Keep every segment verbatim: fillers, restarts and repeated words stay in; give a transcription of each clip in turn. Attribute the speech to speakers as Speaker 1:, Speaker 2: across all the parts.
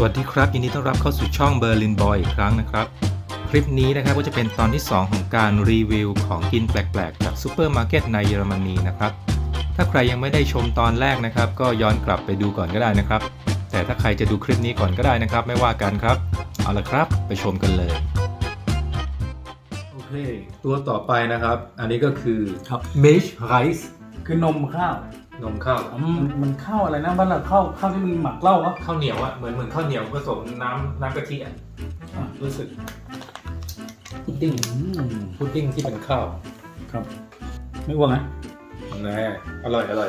Speaker 1: วัสดีครับยินดีต้อนรับเข้าสู่ช่อง Berlin Boy อีกครั้งนะครับคลิปนี้นะครับก็จะเป็นตอนที่สองของการรีวิวของกินแปลกๆจากซูเปอร์มาร์เก็ตในเยอรมนีนะครับถ้าใครยังไม่ได้ชมตอนแรกนะครับก็ย้อนกลับไปดูก่อนก็ได้นะครับแต่ถ้าใครจะดูคลิปนี้ก่อนก็ได้นะครับไม่ว่ากันครับเอาละครับไปชมกันเลยโอเคตัวต่อไปนะครับอันนี้ก็คือ
Speaker 2: ครับ
Speaker 1: Milch Rice
Speaker 2: คือนมข้าวน
Speaker 1: มข้าว
Speaker 2: มันมันข้าวอะไรนะบ้านเราข้าวข้าวที่มันหมักเหล้าวะ
Speaker 1: ข้าวเหนียวอ่ะเหมือนเหมือนข้าวเหนียวผสมน้ำน้ำกะทิอ่ะ
Speaker 2: อ่ะ
Speaker 1: รู้สึกพุดดิ้ง
Speaker 2: อืม
Speaker 1: พุดดิ้งที่เป็นข้าว
Speaker 2: ครับไม่อ้วงนะ
Speaker 1: แน่อร่อยอร่อย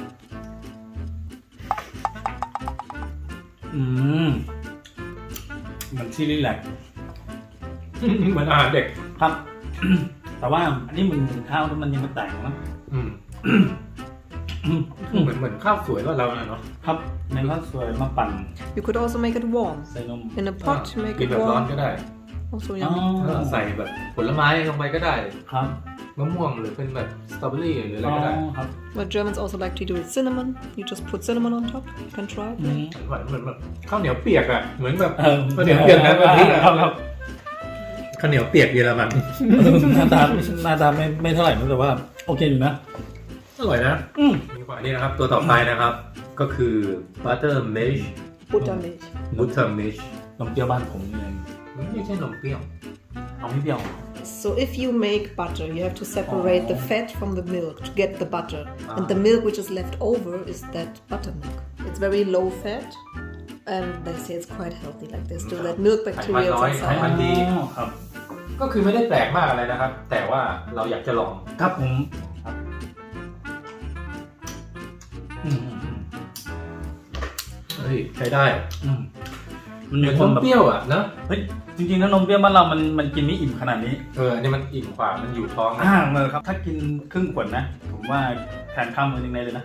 Speaker 2: อืมมันซีรีส์แหลก
Speaker 1: เหมือนอาหารเด็ก
Speaker 2: ครับ แต่ว่าอันนี้มันเป็นข้าวที่มันยังไม่แตกนะ
Speaker 1: อืมเหมือนเหมือนข้าวสวยว่าเราเนาะ
Speaker 2: ครับในข้าวสวยมาปั่น
Speaker 3: You could also make it warm
Speaker 2: ใส่นม
Speaker 3: in a pot. Make
Speaker 1: กิน
Speaker 3: it
Speaker 1: แบบร้อน
Speaker 3: warm.
Speaker 1: ก็ได้
Speaker 3: Also
Speaker 2: อ๋อ
Speaker 3: yummy.
Speaker 1: ใส่แบบผลไม้ลงไปก็ได้
Speaker 2: ครับ
Speaker 1: มะม่วงหรือเป็นแบบสตรอเบอรี่หรืออะไร
Speaker 2: อ๋อ
Speaker 1: ก็ได้
Speaker 2: ครับ
Speaker 3: But Germans also like to do it cinnamon. You just put cinnamon on top. You can try it.
Speaker 2: อืม
Speaker 1: เหมือนเหมือนแบบข้าวเหนียวเปียกอ่ะเหมือนแบบ
Speaker 2: เออ
Speaker 1: ข้าวเหนียวเปียกนะแบบนี้
Speaker 2: ครับครับ
Speaker 1: ข้าวเหนียวเปียกเยอรมัน
Speaker 2: หน้าตาหน้าตาไม่ไม่เท่าไหร่นะแต่ว่าโอเคอยู่นะ
Speaker 1: อร่อยนะ
Speaker 2: อืม
Speaker 1: นี่กว่านี่นะครับตัวต่อไปนะครับ ก็คือ butter milk
Speaker 3: Buttermilch.
Speaker 1: butter milk
Speaker 2: นมเปรี้ยวบ้านผมนี่เอง
Speaker 1: ไม่ใช่นมเปรี้ยว
Speaker 2: เอาไม่เปรี้ยว
Speaker 3: So if you make butter, you have to separate the fat from the milk to get the butter. And the milk which is left over is that buttermilk. It's very low fat. And they say it's quite healthy. Like there's still that milk bacteria
Speaker 1: Hai
Speaker 3: inside.
Speaker 1: hai man. ดี
Speaker 2: อ๋อครับ
Speaker 1: ก็คือไม่ได้แปลกมากอะไรนะครับ แต่ว่าเราอยากจะลอง
Speaker 2: ครับผมครับอืม
Speaker 1: เฮ้ยใช้ได้
Speaker 2: อืมมัน
Speaker 1: เห
Speaker 2: มี
Speaker 1: มือน
Speaker 2: คน
Speaker 1: นม
Speaker 2: แบบ
Speaker 1: เปรี้ยวอ่ะเนอะ
Speaker 2: เฮ้ยจริงๆแล้วนมเปรี้ยวบ้านเรามันมันกินไม่อิ่มขนาดนี้
Speaker 1: เอออันนี้มันอิ่มกว่ามันอยู่ท้องนะ
Speaker 2: อ่าเลยครับ ถ้ากินครึ่งขวดนะ ผมว่าแทนข้าวมื้อนึงได้เลยนะ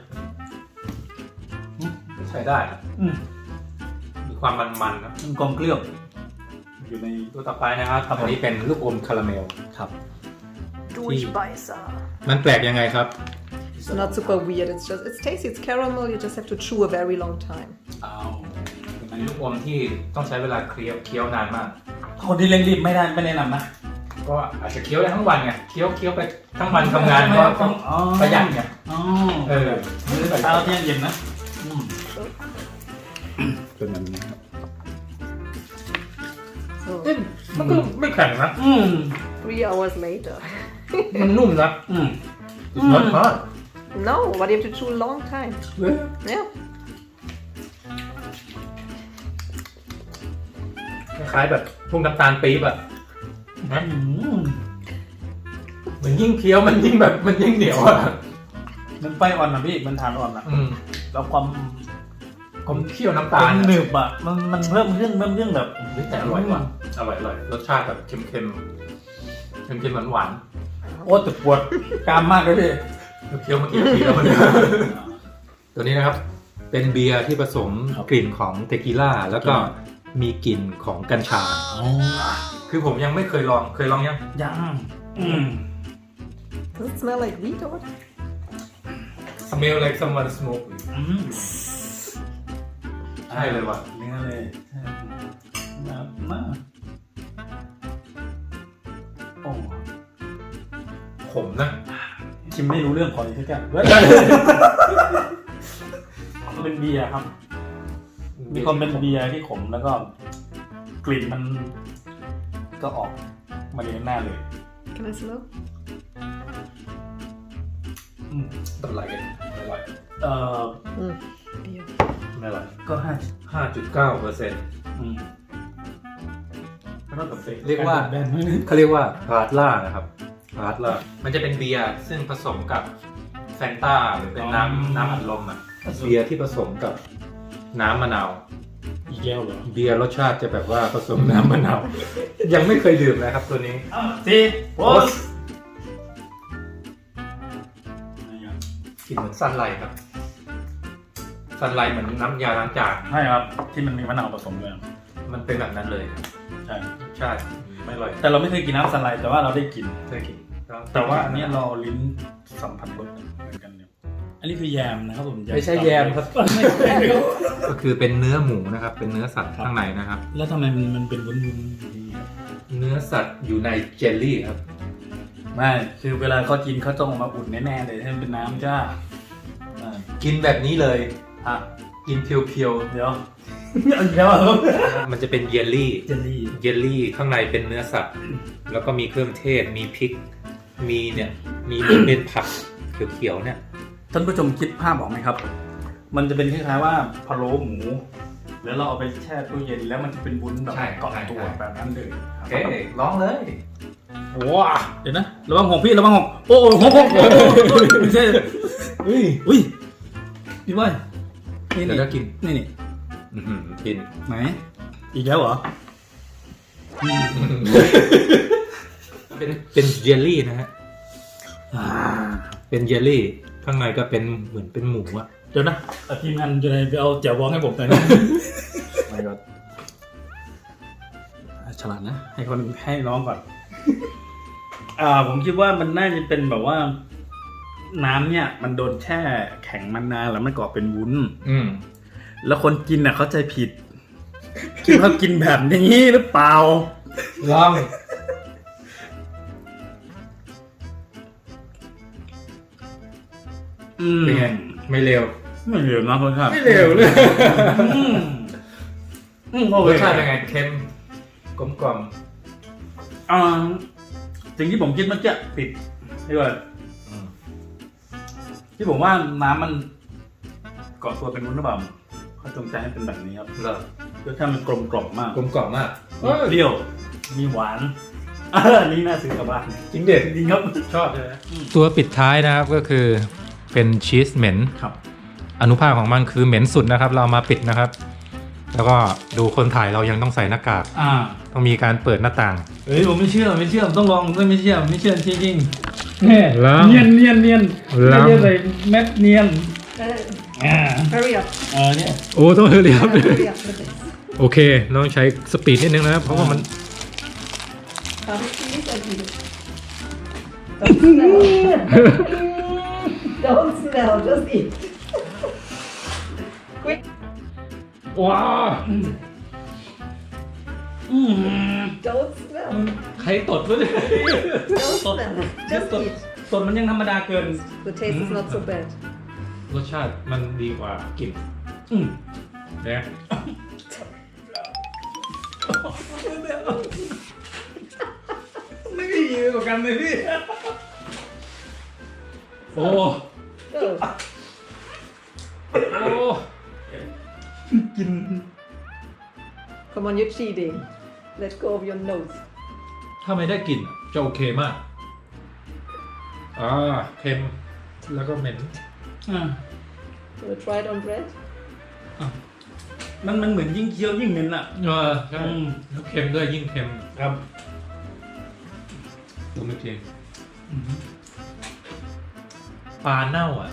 Speaker 1: ใช้ได้อะ
Speaker 2: อืม
Speaker 1: มีความมันๆนะ
Speaker 2: มันกลมเกลียวอยู่ใน
Speaker 1: ตัวต่อไปนะครับ
Speaker 2: ครับผม
Speaker 1: อันนี้เป็นลูกอมคาราเมล
Speaker 2: ครับ
Speaker 3: Durchbeißer.
Speaker 1: มันแปลกยังไงครับ
Speaker 3: It's not super weird. It's just it's tasty. It's caramel. You just have to chew a very long time.
Speaker 2: เอา
Speaker 1: เป็นลูกอมที่ต้องใช้เวลาเคี้ยวเคี้ยวนานมาก
Speaker 2: คนที่เร่งรีบไม่ได้ไม่แนะนำนะ
Speaker 1: ก็อาจจะเคี้ยวได้ทั้งวันไงเคี้ยวเคี้ยวไปทั้งวันทำงานก็ต้อง
Speaker 2: อ๋อ
Speaker 1: ประหยัดไง
Speaker 2: อ๋อ
Speaker 1: เออ
Speaker 2: มื้อเช้าเที่ยงเย็นนะอืมเป็นแบบนี้ครับ
Speaker 3: So
Speaker 1: เอ๊ะมันก็ไม่แข็งนะ
Speaker 2: อืม
Speaker 3: three hours later.
Speaker 1: มันนุ่มนะ
Speaker 2: อืม
Speaker 1: It's not hard
Speaker 3: No, but you have to chew a long time. Yeah.
Speaker 1: คล้ายๆแบบพวกน้ำตาลปี๊บอะนะ
Speaker 2: อืม
Speaker 1: เหมือนยิ่งเคี้ยวมันยิ่งแบบมันยิ่งเหนียวอะ
Speaker 2: มันไฟอ่อนนะพี่ มันทานอ่อนนะ
Speaker 1: อืม
Speaker 2: แล้วความ
Speaker 1: ผมเคี่ยวน้ำ
Speaker 2: ควา
Speaker 1: ตาล
Speaker 2: มหนึบอ่ะ มันมันเพิ่มเรื่องเพิ่มเรื่องแบบ
Speaker 1: เฮ้ยแต่อร่อยว่ะอร่อยอร่อยรสชาติแบบเค็มเค็มเค็มเค็มหวานหวาน
Speaker 2: โอ้แต่ปวดกรามมากเลยพี่
Speaker 1: ๆเคี้ยวมากี่นาทีแล้วมันเนี่ยตัวนี้นะครับ เป็นเบียร์ที่ผสม
Speaker 2: ครับ
Speaker 1: กลิ่นของเทคิล่าแล้วก็มีกลิ่นของกัญชา
Speaker 2: อ๋อ
Speaker 1: คือผมยังไม่เคยลองเคยลองยัง
Speaker 2: ยังอืม
Speaker 3: Does it smell like wheat or what?
Speaker 1: Smell like someone smoke
Speaker 2: อืม
Speaker 1: ใช่เลยว่ะ
Speaker 2: เนื้อเลยใช่แบบมากโอ้
Speaker 1: ขมนะ
Speaker 2: ชิมไม่รู้เรื่องขออีกแค่เว้ยเป็นเบียร์ครับ มีความเป็นเบียร์ที่ขมแล้วก็กลิ่นมันก็ออกมาเลยหน้าเลย
Speaker 3: Can I smell?
Speaker 2: อืม
Speaker 1: ตำไรกันไม่อร่อย
Speaker 2: เอ่อ
Speaker 3: Mm. Beer.
Speaker 1: ไม่อร่อย
Speaker 2: ก็ห้า
Speaker 1: ห้าจุดเก้าเปอร์เซ็นต์
Speaker 2: อืม
Speaker 1: เรียกว่า
Speaker 2: แบน
Speaker 1: เขาเรียกว่าราดล่านะครับราดล่ามันจะเป็นเบียร์ซึ่งผสมกับแฟนต้าหรือเป็นน้ำน้ำอัดลมอ่ะเบียร์ที่ผสมกับน้ำมะนาว
Speaker 2: อีกแก้วเหรอ
Speaker 1: เบียร์รสชาติจะแบบว่าผสมน้ำมะนาว ยังไม่เคยดื่มนะครับตัวนี้
Speaker 2: อ้าวสี่โพส
Speaker 1: กลิ่นเหมือนซันไลท์ครับซันไลท์เหมือนน้ำยาล้างจาน
Speaker 2: ใช่ครับ ที่มันมีมะนาวผสมด้วย
Speaker 1: มันเป็นแบบนั้นเลยครับ
Speaker 2: ใช่
Speaker 1: รสชาติไม่อร่อย
Speaker 2: แต่เราไม่เคยกินน้ำสไลด์แต่ว่าเราได้กิน
Speaker 1: เคยกิน
Speaker 2: แต่ว่าอันเนี้ยเราลิ้นสัมผัสรสเหมือนกันเนี่ยนนี้คือแยมนะครับผม
Speaker 1: ไม่ใช่แยมครับ
Speaker 2: ไม่ใช่
Speaker 1: ก็คือเป็นเนื้อหมูนะครับ เป็นเนื้อสัตว์
Speaker 2: ครับ
Speaker 1: ข้างในนะครับ
Speaker 2: แล้วทำไมมันมันเป็นวุ้นๆอย่างนี้ครับ
Speaker 1: เนื้อสัตว์อยู่ในเจลลี่ครับ
Speaker 2: ไม่คือเวลาเขากินเขาต้องเอามาอุ่นแน่ๆเลยให้มันเป็นน้ำจ้าอ่า
Speaker 1: กินแบบนี้เลย
Speaker 2: อ่ะ
Speaker 1: กินเพียว
Speaker 2: เดี๋ยวเอาอีกแล้วเหรอ
Speaker 1: ๆ มันจะเป็นเยลลี่
Speaker 2: เจลลี่
Speaker 1: เยลลี่ข้างในเป็นเนื้อสัตว์ แล้วก็มีเครื่องเทศ มีพริก มีเนี่ยมีเป็นผักเขียวๆเนี่ย
Speaker 2: ท่านผู้ชมคิดภาพออกไหมครับ มันจะเป็นคล้ายๆว่าพะโล้หมู แล้วเราเอาไปแช่ตู้เย็นแล้วมันจะเป็นวุ้นแบบ
Speaker 1: ใช่
Speaker 2: เกาะ
Speaker 1: ใช่
Speaker 2: ตัว
Speaker 1: ใช่
Speaker 2: แบบนั้นเลยครับ
Speaker 1: โอเคลองเลย
Speaker 2: ว้าเดี๋ยวนะระวังหกพี่ระวังหกโอ้โหหกหกไม่ใช่อุ้ยอุ้ยพี่บอยนี่
Speaker 1: เดี๋ยว
Speaker 2: นี่
Speaker 1: ถ้ากิน
Speaker 2: นี่นี่
Speaker 1: อื้อหือกิน
Speaker 2: ไหนอีกแล้วเหรอ
Speaker 1: เป็นเป็นเยลลี่นะฮะ
Speaker 2: อ่า
Speaker 1: เป็นเยลลี่ ข้างในก็เป็นเหมือนเป็นหมูอะ
Speaker 2: เดี๋ยวนะเอาทีมงานจะไปเอาแจ่วบองให้ผมหน่อยนะไม่ก็ฉลาดนะ ให้คนให้น้องก่อน อ่า ผมคิดว่ามันน่าจะเป็นแบบว่า น้ำเนี่ย มันโดนแช่แข็งมานานแล้วมันก่อเป็นวุ้น
Speaker 1: อืม
Speaker 2: แล้วคนกินน่ะเข้าใจผิด คิดว่ากินแบบนี้หรือเปล่า
Speaker 1: ลอง
Speaker 2: อืม
Speaker 1: เป็นไงไม่เร็ว
Speaker 2: ไม่เหลวนะคนครับ
Speaker 1: ไม่เร็วเลย
Speaker 2: อืมอืมโอ
Speaker 1: ร
Speaker 2: เค
Speaker 1: สชาติเป็นไงเค็มกลมกล่อม
Speaker 2: อ่าสิ่งที่ผมคิดเมื่อกี้ติดนี่ว่า
Speaker 1: อืม
Speaker 2: ที่ผมว่าน้ำมันเกาะตัวเป็นวุ้นหรือเปล่าเขาจงใจให้เป็นแบบนี้ครับ
Speaker 1: เหรอ
Speaker 2: รสชาติมันกลมกล่อมมาก
Speaker 1: กลมกล่อมมาก
Speaker 2: มีเปรี้ยว มีหวานเอออันนี้น่าซื้อกลับบ้าน
Speaker 1: จริงเด็ด
Speaker 2: จริงครับ
Speaker 1: ชอบใช่ไหมตัวปิดท้ายนะครับก็คือเป็นชีสเหม็น
Speaker 2: ครับ
Speaker 1: อนุภาคของมันคือเหม็นสุดนะครับ เรามาปิดนะครับ แล้วก็ดูคนถ่ายเรายังต้องใส่หน้ากาก
Speaker 2: อ่า
Speaker 1: ต้องมีการเปิดหน้าต่าง
Speaker 2: เฮ้ยผมไม่เชื่อไม่เชื่อผมต้องลองไม่ไม่เชื่อไม่เชื่อจริงจริงๆแน่
Speaker 1: ลอง
Speaker 2: เนียนเนียนเนียน
Speaker 1: ลอง
Speaker 2: ไม่ใช่เลยเม็ดเนียน
Speaker 3: Uh,
Speaker 2: อ่า
Speaker 3: hurry up.
Speaker 2: เออเนี่ย
Speaker 1: โอ้ต้องเฮลี่ครับ
Speaker 3: Hurry up with this.
Speaker 1: โอเคเราต้องใช้สปีดนิดนึงนะครับ เพราะว่ามัน
Speaker 3: Come please and eat it. Don't smell. Don't smell, just eat. Quick.
Speaker 1: ว้าว
Speaker 2: อืม
Speaker 3: Don't smell.
Speaker 1: ใครตดวะเนี่ย
Speaker 3: Don't smell. Just
Speaker 2: สด
Speaker 3: eat.
Speaker 2: สดมันยังธรรมดาเกิน
Speaker 3: The taste is not so bad.
Speaker 1: รสชาติมันดีกว่ากลิ่น
Speaker 2: อืม
Speaker 1: นะ
Speaker 2: ไม่ดีกว่ากันเลยพี่
Speaker 1: โอ้
Speaker 3: Go.
Speaker 1: โอ้
Speaker 2: กิน
Speaker 3: Come on, you're cheating. Let go of your nose.
Speaker 1: ถ้าไม่ได้กลิ่นจะโอเคมากอ่าเค็มแล้วก็เหม็น
Speaker 2: อ่า
Speaker 3: Will you try it on bread?
Speaker 2: มันมันเหมือนยิ่งเคี้ยวยิ่งเหม็นอ่ะ
Speaker 1: เออใช่
Speaker 2: อืม
Speaker 1: แล้วเค็มด้วยยิ่งเค็ม
Speaker 2: ครับ
Speaker 1: ดูไม่จริงปลาเน่าอ่ะ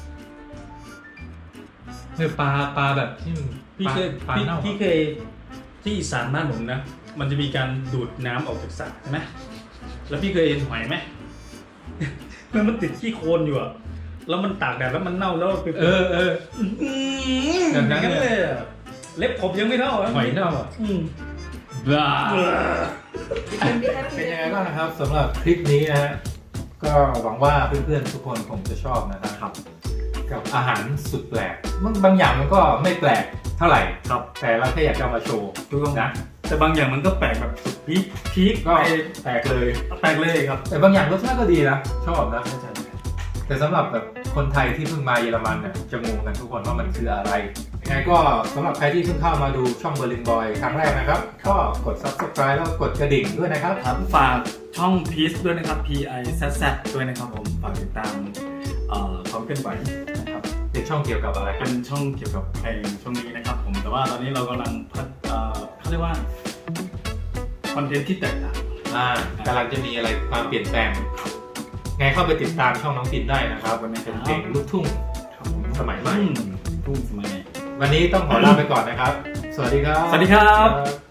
Speaker 1: เออปลาปลาแบบที่มัน
Speaker 2: พี่เคย
Speaker 1: ปลา
Speaker 2: พี่
Speaker 1: เน่า
Speaker 2: พี่เคยที่อีสานบ้านผมนะ มันจะมีการดูดน้ำออกจากสระใช่ไหมแล้วพี่เคยเห็นหอยไหม มันมันติดขี้โคลนอยู่อะแล้วมันตากแดดแล้วมันเน่าแล้วไป
Speaker 1: เออเออ แบบนั้น
Speaker 2: เล
Speaker 1: เลย
Speaker 2: ยอะเล็บผมยังไม่เท่าะ
Speaker 1: หอยเน่าอ่ะ
Speaker 2: อืม
Speaker 1: บ้า
Speaker 3: You can be happy.
Speaker 1: เป็นยังไงบ้างนะครับสำหรับคลิปนี้นะฮะก็หวังว่าเพื่อนๆทุกคนคงจะชอบนะครับ กับอาหารสุดแปลกบางบางอย่างมันก็ไม่แปลกเท่าไหร่
Speaker 2: ครับ
Speaker 1: แต่เราแค่อยากจะเอามาโชว์
Speaker 2: ถูกต้อง
Speaker 1: นะ
Speaker 2: แต่บางอย่างมันก็แปลกแบบสุดพีคพีค
Speaker 1: ก็
Speaker 2: ไป
Speaker 1: แปลกเลย
Speaker 2: แปลกเลยครับ
Speaker 1: แต่บางอย่างรสชาติก็ดีนะชอบนะแต่สำหรับแบบคนไทยที่เพิ่งมาเยอรมันเนี่ยจะงงกันทุกคนว่ามันคืออะไรยังไงก็สำหรับใครที่เพิ่งเข้ามาดูช่อง Berlin Boy ครั้งแรกนะครับ ก็กด Subscribe แล้วกดกระดิ่งด้วยนะครับ
Speaker 2: ครับฝากช่องพีซด้วยนะครับ P I Z Z ด้วยนะครับผมฝากติดตามเอ่อความเคลื่อนไหวนะครับ
Speaker 1: เป็นช่องเกี่ยวกับอะไรค
Speaker 2: เป็
Speaker 1: รับ
Speaker 2: นช่องเกี่ยวกับเพลงช่วงนี้นะครับผมแต่ว่าตอนนี้เรากำลังพัฒเอ่อเขาเรียกว่าคอนเทนต์ที่แตกต่าง
Speaker 1: อ่ากำลังจะมีอะไรความเปลี่ยนแปลงไงเข้าไปติดตามช่องน้องปินได้นะครับวันนี้เป็นเพลงลูกทุ่งสมัยใหม่
Speaker 2: อืมทุ่งสมัย
Speaker 1: วันนี้ต้องขอลาไปก่อนนะครับ สวัสดีครับ
Speaker 2: สวัสดีครับ